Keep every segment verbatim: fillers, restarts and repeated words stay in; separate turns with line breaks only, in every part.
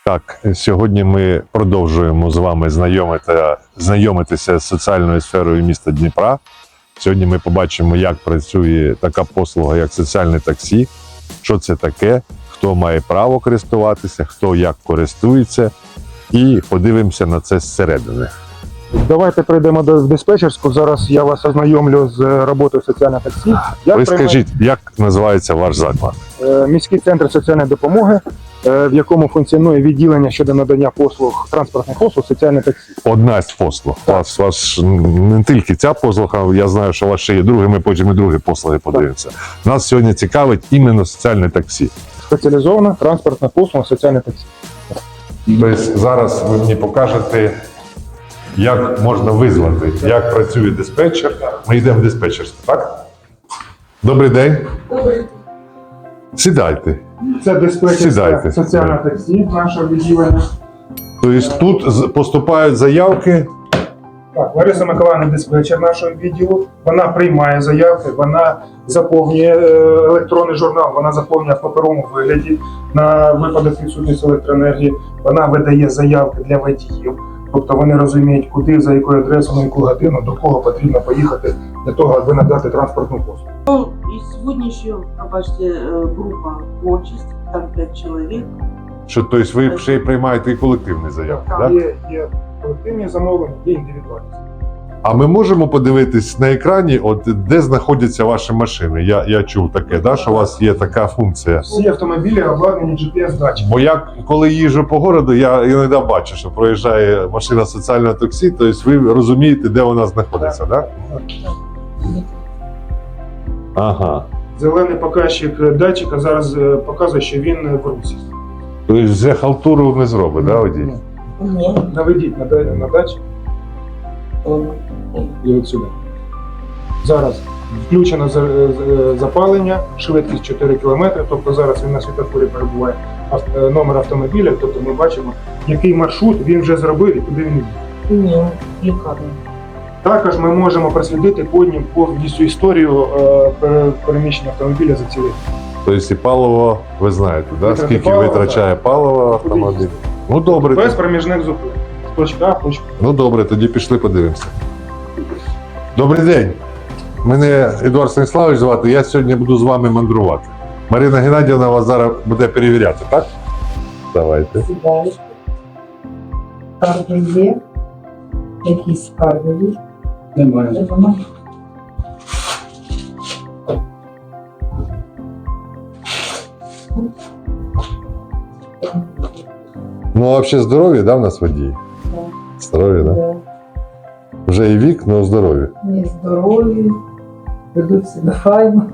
Так, сьогодні ми продовжуємо з вами знайомити, знайомитися з соціальною сферою міста Дніпра. Сьогодні ми побачимо, як працює така послуга, як соціальне таксі, що це таке, хто має право користуватися, хто як користується, і подивимося на це зсередини.
Давайте прийдемо до диспетчерську. Зараз я вас ознайомлю з роботою соціального таксі. Як
Ви
приймає...
скажіть, як називається ваш заклад?
Міський центр соціальної допомоги, в якому функціонує відділення щодо надання послуг, транспортних послуг, соціальне таксі.
Одна з послуг. У вас, вас не тільки ця послуга, я знаю, що у вас ще є друге, ми потім і другі послуги подивимося. Нас сьогодні цікавить іменно соціальне таксі.
Спеціалізована транспортна послуга, соціальне таксі.
Тобто зараз ви мені покажете, як можна визвати, як працює диспетчер. Ми йдемо в диспетчерську, так? Добрий день.
Добрий.
Сідайте.
Це диспетчерське
Сідайте.
соціальне таксі нашого відділення.
Тобто тут з- поступають заявки.
Так, Лариса Миколаївна диспетчер нашого відділу. Вона приймає заявки, вона заповнює е, електронний журнал, вона заповнює в паперовому вигляді на випадок відсутності електроенергії. Вона видає заявки для водіїв. Тобто вони розуміють, куди, за якою адресою, на яку годину, до кого потрібно поїхати для того, аби надати транспортну послугу.
Ну, и сегодня еще, пробачьте, э, группа творчесть, там пять человек.
Що, тобто ви ще й приймаєте і колективні заявки, так?
Є, є колективні замовлення, є індивідуальні.
А ми можемо подивитись на екрані, от де знаходяться ваші машини? Я, я чув таке, да, що у вас є така функція.
Всі автомобілі обладнані джі пі ес-датчиком.
Бо я коли їжджу по городу, я іноді бачу, що проїжджає машина соціального таксі, тобто ви розумієте, де вона знаходиться, так? Да? Ага.
Зелений показчик датчика зараз е, показує, що він в русі.
Тобто вже халтуру не зробить, да, водій?
Нет.
Наведіть на, да- на датчик і от сюди. Зараз включено за- за- запалення, швидкість чотири кілометри, тобто зараз він на світлофорі перебуває ав- номер автомобіля, тобто ми бачимо, який маршрут він вже зробив і куди він йде.
Нет, лікарня.
Також ми можемо прослідити по ним повністю історію е, пере- переміщення автомобіля за цілий.
Тобто і паливо, ви знаєте, да?
Витрати
Скільки
палива,
витрачає паливо автомобіль? Ну добре,
Без проміжних зупин. З точки А в точку.
ну добре, тоді пішли подивимося. Добрий день. Мене Едуард Станіславович звати, я сьогодні буду з вами мандрувати. Марина Геннадіївна вас зараз буде перевіряти, так? Давайте.
Сідаєш. Скарги є. Якісь скарги є?
Немає.
Немає.
Ну, а взагалі здорові, да, в нас водії?
Так.
Здорові, да?
Да.
Вже і вік, але здорові.
Вони здорові, ведуть себе файно.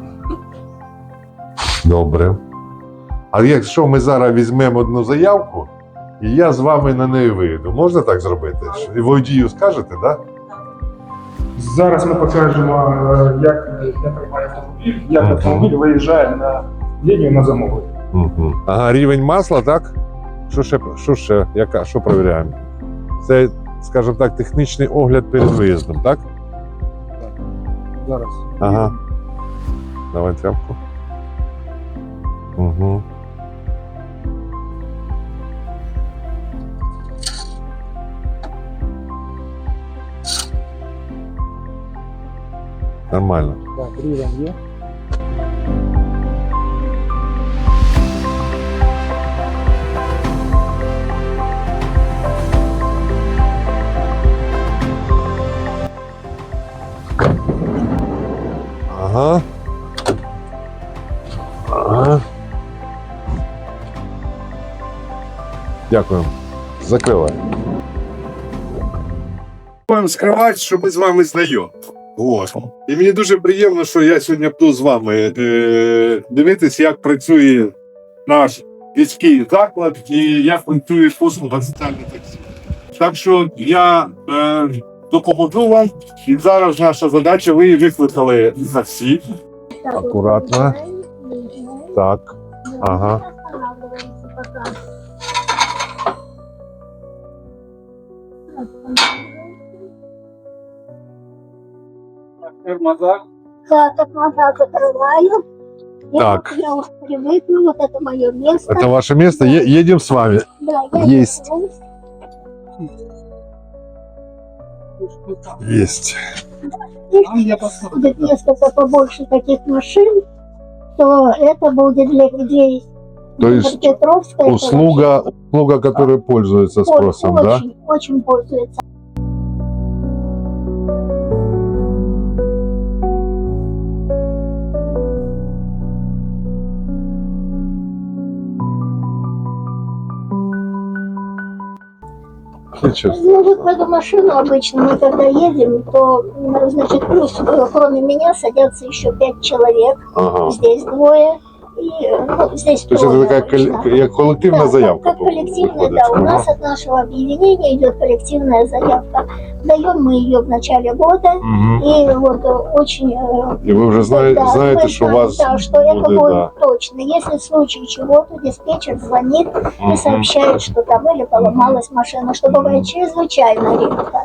Добре. А якщо ми зараз візьмемо одну заявку, і я з вами на неї вийду, можна так зробити? І водію скажете, так? Да?
Зараз ми покажемо, е, як, як приймає автомобіль, як
Мгм.
автомобіль виїжджає на лінію на замовлення.
Угу. Ага, рівень масла, так? Що ще, що ще, яка, що перевіряємо? Це, скажімо так, технічний огляд перед виїздом, так?
Зараз.
Ага. Давай тряпку. Угу. Нормально.
Так, рівень є.
Ага. Ага. Дякую. Закривай. Вам скривати, що ми з вами знайомі. От. І мені дуже приємно, що я сьогодні буду з вами е- дивитись, як працює наш міський заклад і як працює послуга соціального таксі. Так що я е- допоможу вам, і зараз наша задача, ви викликали таксі. Акуратно. Так. Ага.
Тормоза.
Да, тормоза закрываю. Я
Так.
Я уже привыкла, вот это мое место.
Это ваше место. Е- едем с вами.
Да, я
Есть. Есть.
Если будет несколько побольше таких машин, то это будет для людей.
То есть
Петровска это
Услуга, услуга, которая пользуется
вообще
спросом, да?
очень, очень пользуется.
Сейчас.
Ну, вот в эту машину обычно мы когда едем, то, м, значит, плюс э, кроме меня садятся еще пять человек.
Ага.
Здесь двое. И э, ну, здесь
То есть это
трое
такая
обычно.
колле- як коллективная
Да,
заявка.
Как, как коллективная,
выходит.
да. У
Ага.
нас от нашего объединения идет коллективная заявка. Даем мы ее в начале года.
Мгм.
И вот э, очень... э,
И вы уже знаете,
да,
знаете,
мы
что у
знаем,
вас
да, что это
будет,
будет
да.
точно. Если в случае чего, то диспетчер звонит и
Мгм.
сообщает, что там или поломалась машина, что бывает чрезвычайно редко.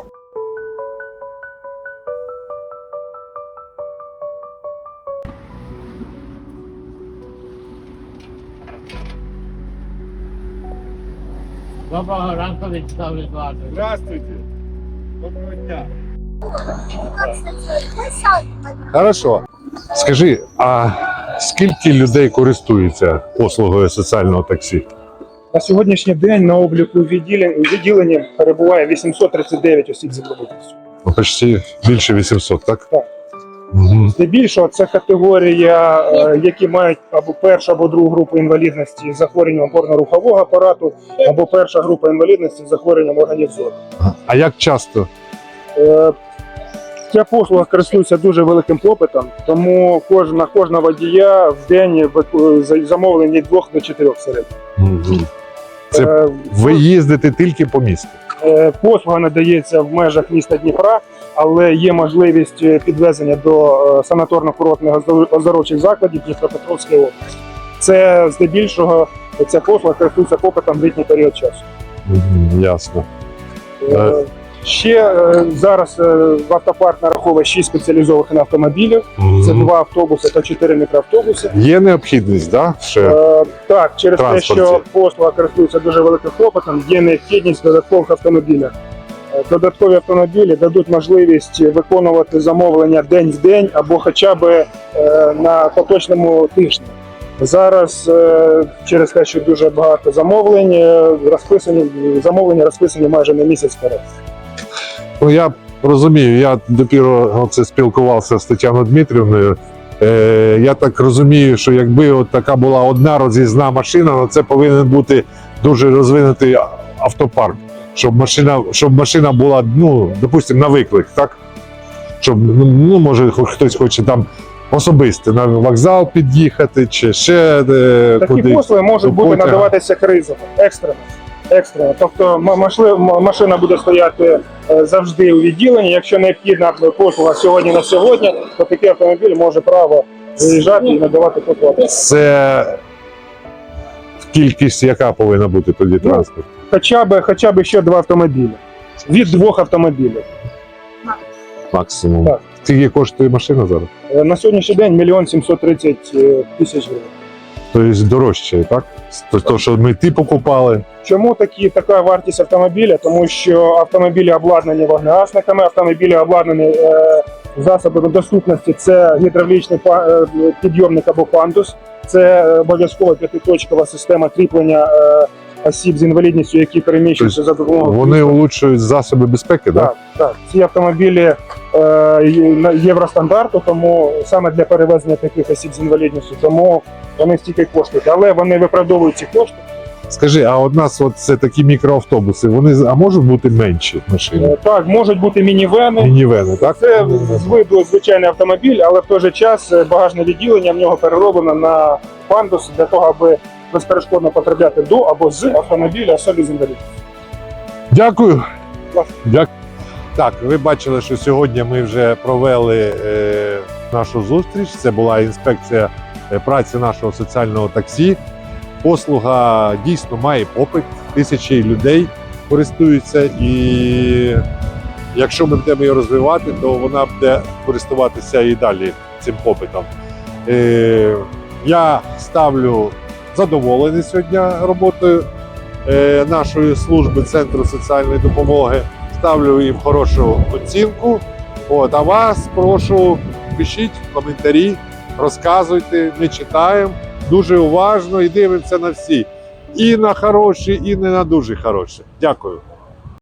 Доброго ранку, Вячеслав Едуардович.
Здравствуйте. Доброго дня.
Хорошо. Скажи, а скільки людей користуються послугою соціального таксі?
На сьогоднішній день на обліку відділень- відділенні перебуває вісімсот тридцять дев'ять осіб з інвалідністю.
Ну, почти більше вісімсот, так?
Так.
Угу.
Здебільшого це категорія, е, які мають або першу або другу групу інвалідності з захворюванням опорно-рухового апарату, або перша група інвалідності з захворюванням органів зору.
А як часто?
Е, Ця послуга користується дуже великим попитом, тому кожна кожна водія в день вику- за- замовлень від двох до чотирьох середньо.
Угу. Це
Е,
Ви їздите тільки по місту?
Е, Послуга надається в межах міста Дніпра, але є можливість е, підвезення до е, санаторно-курортних оздор- оздоровчих закладів Дніпропетровської області. Це здебільшого ця послуга користується попитом в літній період часу.
Угу. Ясно.
Е, Ще е, зараз е, в автопарк нараховує шість спеціалізованих автомобілів. Це
Мгм.
два автобуси та чотири мікроавтобуси.
Є необхідність, да? Ще?
Е, Так, через те,
Транспорті.
що послуга користується дуже великим попитом, є необхідність в додаткових автомобілях. Е, Додаткові автомобілі дадуть можливість виконувати замовлення день в день або хоча б е, на поточному тижні. Зараз е, через те, що дуже багато замовлень, е, розписані замовлення розписані майже на місяць вперед.
Ну, я розумію, я допіру оце спілкувався з Тетяною Дмитрівною. Е, я так розумію, що якби от така була одна роз'їзна машина, то це повинен бути дуже розвинутий автопарк, щоб машина, щоб машина була, ну, допустимо, на виклик, так? Щоб, ну, може, хтось хоче там особисто на вокзал під'їхати, чи ще е,
Такі
куди.
послуги можуть
До
бути
потяга.
надаватися кризово, екстрено. екстрено. Тобто м- машли- м- машина буде стояти е, завжди у відділенні. Якщо необхідна послуга сьогодні на сьогодні, то такий автомобіль може право виїжджати і надавати послугу.
Це кількість, яка повинна бути тоді транспорт?
Хоча б, хоча б ще два автомобілі. Від двох автомобілів.
Максимум.
Так.
Скільки коштує машина зараз?
Е, На сьогоднішній день мільйон сімсот тридцять е, тисяч гривень.
Тобто дорожче, так? То, що ми ті покупали.
Чому такі, така вартість автомобіля? Тому що автомобілі обладнані вогнегасниками, автомобілі обладнані е, засобами доступності. Це гідравлічний па- е, підйомник або пандус, це е, обов'язкова п'ятиточкова система кріплення е, осіб з інвалідністю, які переміщуються за допомогою.
Вони улучшують засоби безпеки, так?
Так, так. Ці автомобілі е, є- на- євростандарту, тому саме для перевезення таких осіб з інвалідністю, тому вони стільки коштують, але вони виправдовують ці кошти.
Скажи, а от нас от це такі мікроавтобуси, вони з- а можуть бути менші машини?
Е, Так, можуть бути мінівени.
Мінівени, так?
Це з виду звичайний автомобіль, але в той же час е, багажне відділення в нього перероблено на пандус для того, аби безперешкодно потрапляти до або з автомобіля особі з інвалідністю.
Дякую.
Ласка.
Дякую. Так, ви бачили, що сьогодні ми вже провели е, нашу зустріч. Це була інспекція е, праці нашого соціального таксі. Послуга дійсно має попит. Тисячі людей користуються, і якщо ми будемо її розвивати, то вона буде користуватися і далі цим попитом. Е, я ставлю задоволений сьогодні роботою е, нашої служби Центру соціальної допомоги. Ставлю їм хорошу оцінку. От, а вас прошу, пишіть коментарі, розказуйте, ми читаємо дуже уважно і дивимося на всі. І на хороші, і не на дуже хороші. Дякую.